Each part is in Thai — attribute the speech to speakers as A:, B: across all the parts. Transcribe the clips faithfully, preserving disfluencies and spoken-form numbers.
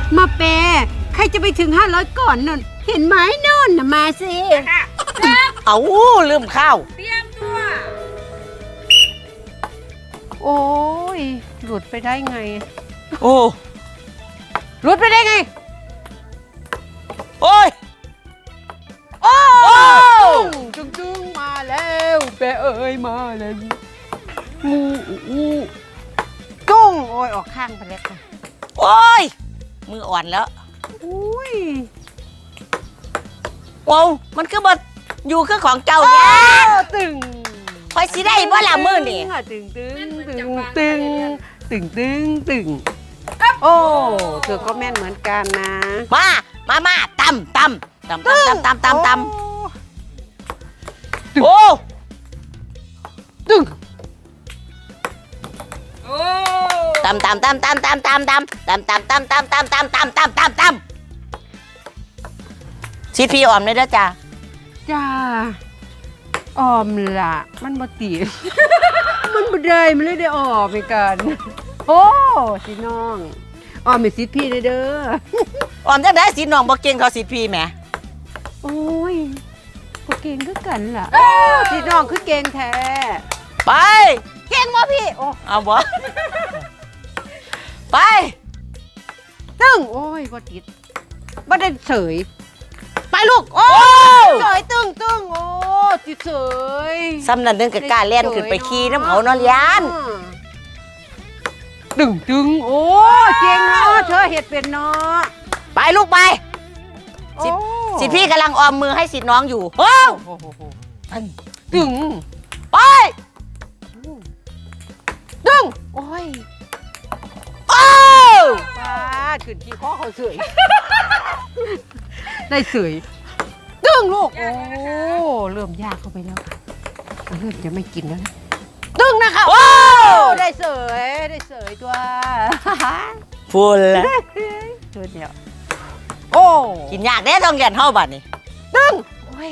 A: มาเปใครจะไปถึงห้าร้อยก่อนนั่นเห็นไหมนู่นน่ะมาสิ
B: เอาลืมข้าว
C: เตรียมตัว
A: โอ้ยหลุดไปได้ไง
B: โอ้
A: หลุดไปได้ไง
B: โอ้ย
A: โอ้จุ้งจุ้งมาแล้วเปเอ้ยมาแล้วงูงูจุ้งโอ้ยออกข้างไปแล้วค่ะ
B: โอ้ยมืออ่อนแล้ว
A: อุ้ย
B: ว้าวมันคือบ่อยู่คือของเจ้าเนี่ย
A: ตึง
B: คอยสิได้บ่ละมือนี่
A: ตึงตึงตึงตึงตึงตึงตึงโอ้เธอก็แม่นเหมือนกันนะ
B: มามามาตำตำตำตำตำตำตำโอ้
A: ตึง
B: ตำตำตำตำตำตำตำตำตำตำตำตำตำตำตำตำตำชีพีออมเลยเด้อจ้า
A: จ้าออมละมันบ่ตีมันบ่ได้มันเลยได้ออมไปกันโอ้สิน้องออมเป็นสิพี่เด้อ
B: ออมจังได้สิน้องบ่เก่งเขาสิพี่แหม
A: โอ้ยบ่เก่งคือกันล่ะสิน้องคือเก่งแท้
B: ไป
A: เก่งบ่พี่โอ้
B: เอาบ่ไป
A: ตึ้งโอ้ยบ่ติดบ่ได้เฉยไปลูกโอ้เฉยตึ้งตึ้งโอ้ติดเฉย
B: ซ้ำนั่นนึงกับกล้าเล่นขึ้นไปขี่น้ำเขานอนยาน
A: ตึ้งตึ้งโอ้เก่งเนาะเธอเห็ดเป็นเนาะ
B: ไปลูกไปสิสิพี่กำลังออมมือให้สิน้องอยู่โอ้
A: ตึ้ง
B: ไป
A: ตึ้งโอ้ย
B: โอ้
A: ป้าขึ้นที่ข้อเขาเสยได้เสยตึ้งลูกโอ้เริ่มยากเข้าไปแล้วค่ะเริ่มจะไม่กินแล้วนะตึ้งนะคะโอ้ได้เสยได้เสยตัว
B: ฟูลแล้ว
A: ตัวเดียวโอ้
B: กินยากแน่ต้องเรียนเท่าบัดนี่
A: ตึ้งโอ้ย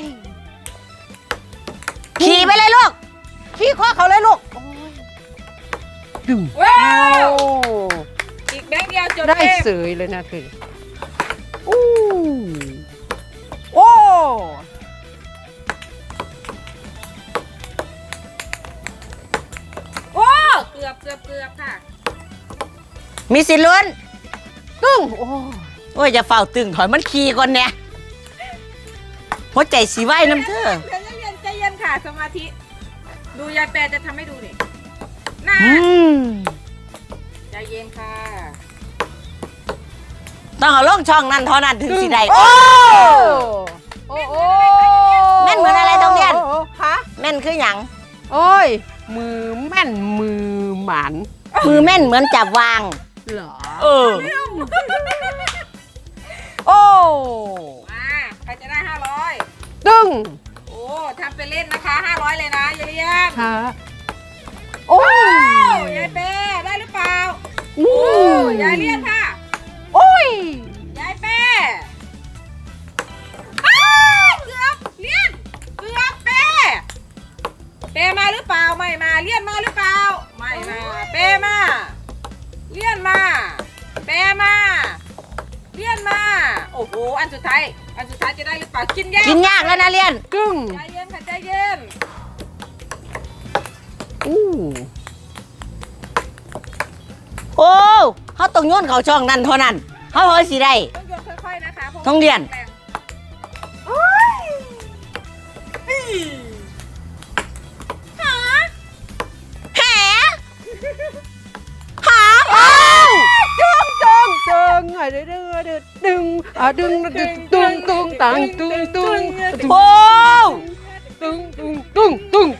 B: ขี่ไปเลยลูก
A: ขี่ข้อเขาเลยลูกตึ้ง
C: ว้าวอีกแบงค์เดียวจบ
A: ได้เสยเลยนะคืออู้โอ้
C: โอ้เกือบเกือบเกือบค่ะ
B: มีสิลุ้น
A: ตึ้งโอ้
B: โอ้ยจะเฝ้าตึงถอยมันขี่ก่อนเนี่ยหัวใจสีไหวน้ำเธอ
C: ใจเย็นใจเย็นค่ะสมาธิดูยายแปรจะทำให้ดูนี่นะใจเย็นค่ะ
B: ต้องเอาล่องช่องนั้นเท่านั้นถึงสิได้
A: โอ้โอ้โอ้
B: แม่นเหมือนอะไรตรงเรียน
A: ฮะ
B: แม่นคือหยัง
A: โอ้ยมือแม่นมือหมัน
B: มือแม่นเหมือนจับวาง
A: เหรอ
B: เออ
A: โอ้
C: มาใครจะได้ห้าร้อย
A: ตึ้ง
C: โอ้ทำเป็นเล่นนะคะห้าร้อยเลยนะยายเลี้ยง
A: ค่ะโอ้
C: ยยายเป้ได้หรือเปล่าโอ้ยายเลี้ยงค่ะ
A: โอ้ย
C: ยายเป้เกือบเลี้ยงเกือบเป้เป้มาหรือเปล่าไม่มาเลี้ยนมาหรือเปล่าไม่มาเป้มาเลี้ยนมาเป้มาเลี้ยนมาโอ้โหอันสุดท้ายอันสุดท้ายจะได้หรือเปล่ากินยาก
B: กินยากแล้วนะเลี้ยน
A: กึ่ง
C: ใจเย็นค่ะใจเย็น
A: อู้
B: โอ้เขาต้องโยนเขาช่องนั้นเท่านั้นเขาเฮ้ยสิได้
C: ต้องโยนค่อยๆนะคะ
B: ต้องเรียน
C: หา
B: หาหา
A: โอ้จึงจึงจึงไอ้เด้อเด้อเด้อดึงอ่ะดึงดึงตึงตึงตังตึงตึง
B: โอ้
A: ตึงตึงตึงตึง